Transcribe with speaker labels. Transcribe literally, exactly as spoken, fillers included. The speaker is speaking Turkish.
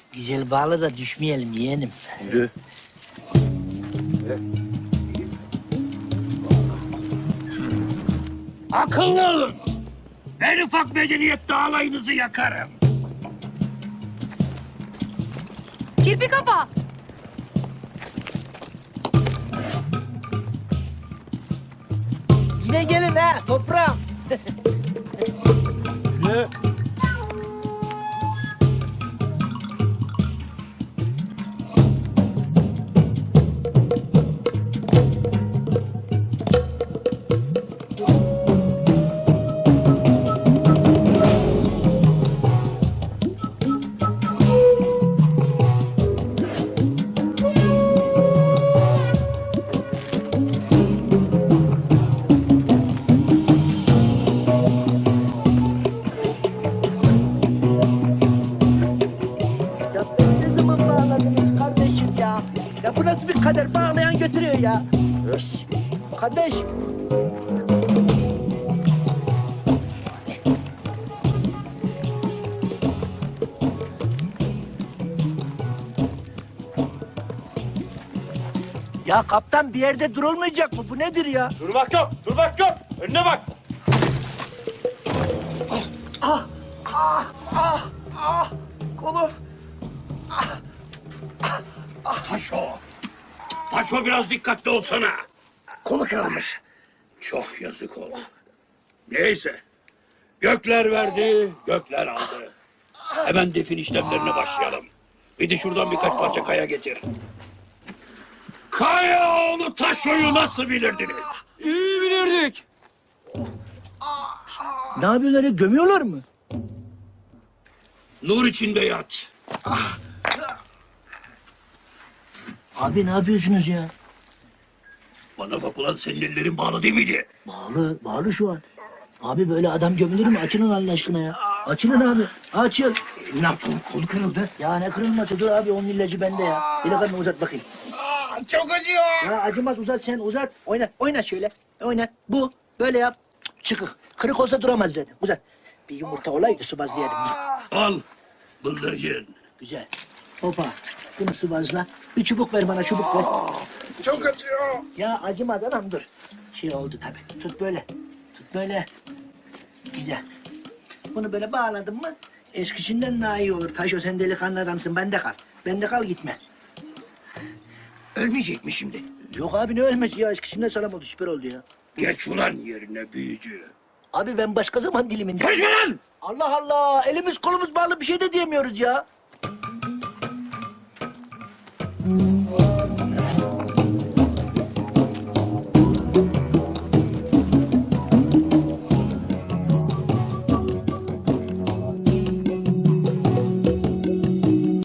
Speaker 1: Güzel bağla da düşmeyelim yeğenim.
Speaker 2: Yürü.
Speaker 3: Akıllı olun. En ufak medeniyette alayınızı yakarım.
Speaker 4: Kirpi kafa.
Speaker 1: Yine gelin ha toprağım.
Speaker 2: Yürü.
Speaker 1: Ya ne zaman bağladınız kardeşim ya? Ya bu nasıl bir kader bağlayan götürüyor ya?
Speaker 2: Ös.
Speaker 1: Kardeş. Ya kaptan bir yerde durulmayacak mı? Bu nedir ya?
Speaker 2: Durmak yok, durmak yok. Önüne bak.
Speaker 1: Ah, ah, ah, kolum.
Speaker 3: Taşo. Taşo biraz dikkatli olsana.
Speaker 1: Kolu kırılmış.
Speaker 3: Çok yazık oldu. Neyse. Gökler verdi, gökler aldı. Hemen defin işlemlerine başlayalım. Bir de şuradan birkaç parça kaya getir. Kayaoğlu Taşo'yu nasıl bilirdiniz?
Speaker 2: İyi bilirdik.
Speaker 1: Ne yapıyorlar ya? Gömüyorlar mı?
Speaker 3: Nur içinde yat.
Speaker 1: Abi ne yapıyorsunuz ya?
Speaker 3: Bana bak ulan, senin ellerin bağlı değil miydi?
Speaker 1: Bağlı, bağlı şu an. Abi böyle adam gömülür mü? Açılın Allah aşkına ya. Açılın abi. Açıl.
Speaker 3: Ne yaptın? Kolu kırıldı.
Speaker 1: Ya ne kırılması? Dur abi onun ilacı bende ya. Delikanlı uzat bakayım.
Speaker 3: Çok acıyor.
Speaker 1: Ya acımaz uzat sen uzat. Oyna, oyna şöyle. Oyna. Bu. Böyle yap. Çıkık. Kırık olsa duramaz zaten. Uzat. Bir yumurta olaydı sıvazlayalım.
Speaker 3: Al. Bıldırcın.
Speaker 1: Güzel. Hopa. Bunu sıvazla. Bir çubuk ver bana çubuk ver.
Speaker 3: Çok acıyor.
Speaker 1: Ya acımaz anam dur. Şey oldu tabii. Tut böyle. Tut böyle. Güzel. Bunu böyle bağladın mı eskisinden daha iyi olur. Taşo sen delikanlı adamsın. Bende kal. Bende kal gitme.
Speaker 3: Ölmeyecek mi şimdi?
Speaker 1: Yok abi ne ölmesi ya. Eskisinden sağlam oldu. Süper oldu ya.
Speaker 3: Geç ulan yerine büyücü.
Speaker 1: Abi ben başka zaman diliminde.
Speaker 3: Konuşma lan!
Speaker 1: Allah Allah. Elimiz kolumuz bağlı bir şey de diyemiyoruz ya.